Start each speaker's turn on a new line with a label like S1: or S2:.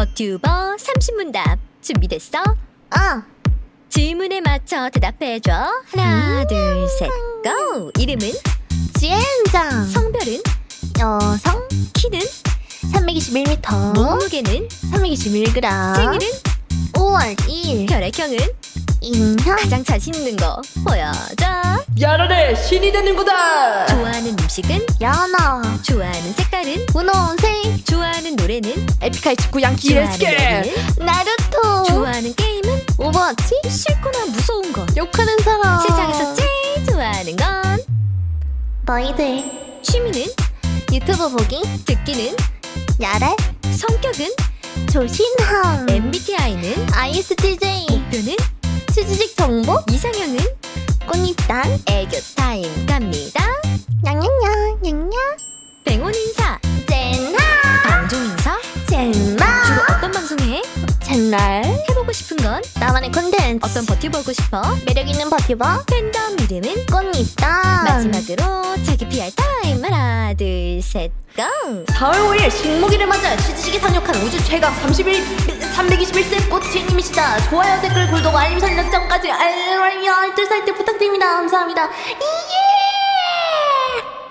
S1: 버튜버 30문답 준비됐어? 질문에 맞춰 대답해줘. 하나 둘 셋 고! 이름은?
S2: 지혜은장.
S1: 성별은?
S2: 여성.
S1: 키는?
S2: 321m.
S1: 몸무게는?
S2: 321g.
S1: 생일은?
S2: 5월 2일.
S1: 혈액형은?
S2: 인형.
S1: 가장 자신 있는 거 보여줘.
S3: 야라래 신이 되는 거다.
S1: 좋아하는 음식은?
S2: 연어.
S1: 좋아하는 색깔은?
S2: 분홍색.
S1: 좋아하는 노래는?
S3: 에픽하이 직구 양키
S1: 좋아하는
S3: 렛츠게.
S1: 연인은?
S2: 나루토.
S1: 좋아하는 게임은?
S2: 오버워치.
S1: 싫거나 무서운 거.
S2: 욕하는 사람.
S1: 세상에서 제일 좋아하는 건?
S2: 너희들.
S1: 취미는?
S2: 유튜브 보기.
S1: 듣기는?
S2: 야래.
S1: 성격은?
S2: 조신함.
S1: MBTI는?
S2: ISTJ.
S1: 목표는?
S2: 취직 정보.
S1: 이상형은?
S2: 꽃잎단.
S1: 애교 타임 갑니다.
S2: 냥냥냥 냥냥.
S1: 뱅온 인사,
S2: 젠나.
S1: 방송 인사.
S2: 젠나.
S1: 주로 어떤 방송 해?
S2: 젠날.
S1: 해보고 싶은 건?
S2: 나만의 콘텐츠.
S1: 어떤 버텨보고 싶어?
S2: 매력있는 버티버.
S1: 팬덤 이름은?
S2: 꽃잎단.
S1: 마지막으로 자기 PR 타임. 하나 둘 셋 고!
S3: 4월 5일 식목일을 맞아 취지식이 상륙한 우주 최강 321세 꽃이님이시다. 좋아요 댓글 구독 알림 설정까지 알뜰 사이트 부탁드립니다. 감사합니다. 이예.